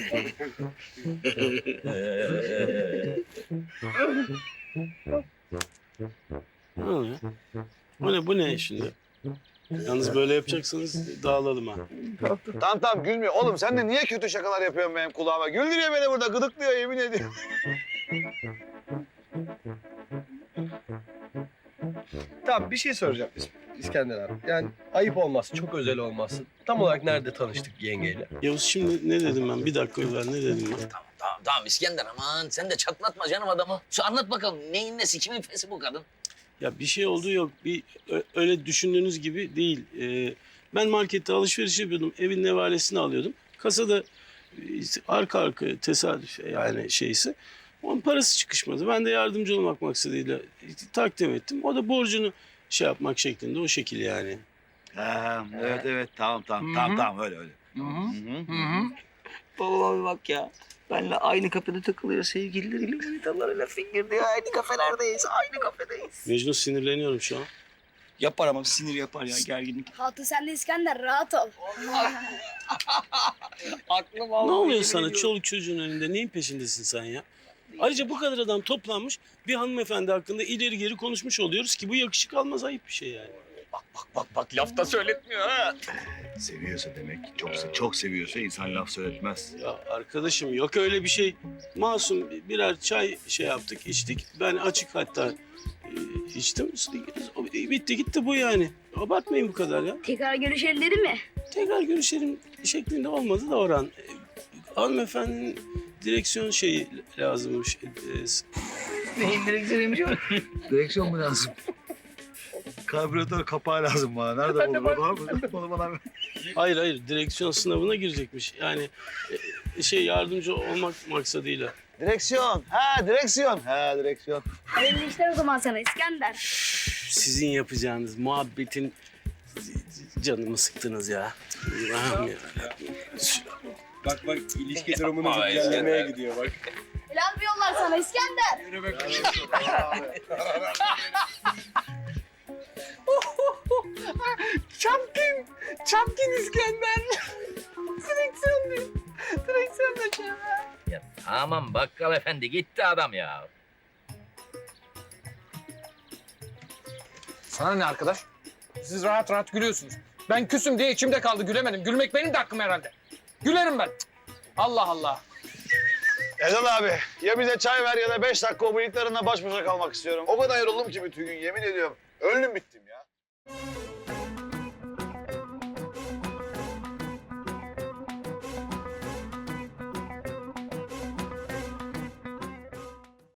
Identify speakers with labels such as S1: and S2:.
S1: Ne oluyor? Bu ne şimdi? Yalnız böyle yapacaksanız dağılalım ha.
S2: Tamam gülmüyor. Oğlum sen de niye kötü şakalar yapıyorsun benim kulağıma? Güldürüyor beni burada, gıdıklıyor yemin ediyorum.
S3: Tamam bir şey soracağım İskender abi. Yani ayıp olmaz, çok özel olmasın. Tam olarak nerede tanıştık yengeyle?
S1: Yavuz şimdi ne dedim ben? Bir dakika evvel ne dedim ben?
S4: Tamam İskender aman sen de çatlatma canım adamı. Şu anlat bakalım neyin nesi kimin fesi bu kadın?
S1: Ya bir şey olduğu yok. Öyle düşündüğünüz gibi değil. Ben markette alışveriş yapıyordum. Evin nevalesini alıyordum. Kasada arka arkaya tesadüf yani şeysi. Onun parası çıkışmadı. Ben de yardımcı olmak maksadıyla takdim ettim. O da borcunu şey yapmak şeklinde o şekil yani.
S2: Ha, evet tamam öyle.
S4: Babama bir bak ya. Benle aynı kafede takılıyor sevgilileriyle, manitalarıyla fingirdiyor. Aynı kafelerdeyiz, aynı kafedeyiz.
S1: Mecnun sinirleniyorum şu an.
S4: Yapar ama sinir yapar ya gerginlik.
S5: Hatun sen de İskender rahat ol.
S4: Aklım
S1: Ne oluyor sana çoluk çocuğun önünde? Neyin peşindesin sen ya? Ayrıca bu kadar adam toplanmış bir hanımefendi hakkında ileri geri konuşmuş oluyoruz ki bu yakışık almaz ayıp bir şey yani.
S4: Bak laf da söyletmiyor ha.
S2: Seviyorsa demek, çok seviyorsa insan laf söyletmez.
S1: Ya arkadaşım yok öyle bir şey. Masum birer çay şey yaptık, içtik. Ben açık hatta içtim. Bitti gitti bu yani. Abartmayın bu kadar ya.
S5: Tekrar görüşelim dedi mi?
S1: Tekrar görüşelim şeklinde olmadı da Orhan. Hanımefendinin direksiyon şeyi lazımmış.
S4: Neyin direksiyonuymuş o?
S2: Direksiyon mu lazım? Karbüratör kapağı lazım bana. Nerede olur? Bana.
S1: Hayır direksiyon sınavına girecekmiş. Yani yardımcı olmak maksadıyla.
S2: Direksiyon. Direksiyon.
S5: Hayırlı işler o zaman sana İskender.
S1: Sizin yapacağınız muhabbetin canımı sıktınız ya. Allah'ım ya.
S3: Bak ilişki durumunu güzellemeye gidiyor bak.
S5: Helal bir yollar sana İskender.
S3: Yürü be
S4: Çapkın İskender. Direksiyon da ya tamam bakkal efendi gitti adam ya.
S6: Sana ne arkadaş? Siz rahat rahat gülüyorsunuz. Ben küsüm diye içimde kaldı gülemedim. Gülmek benim de hakkım herhalde. Gülerim ben. Cık. Allah Allah.
S2: Erdal abi ya bize çay ver ya da 5 dakika o bıyıklarınla baş başa kalmak istiyorum. O kadar yoruldum ki bütün gün yemin ediyorum. Öldüm bittim ya.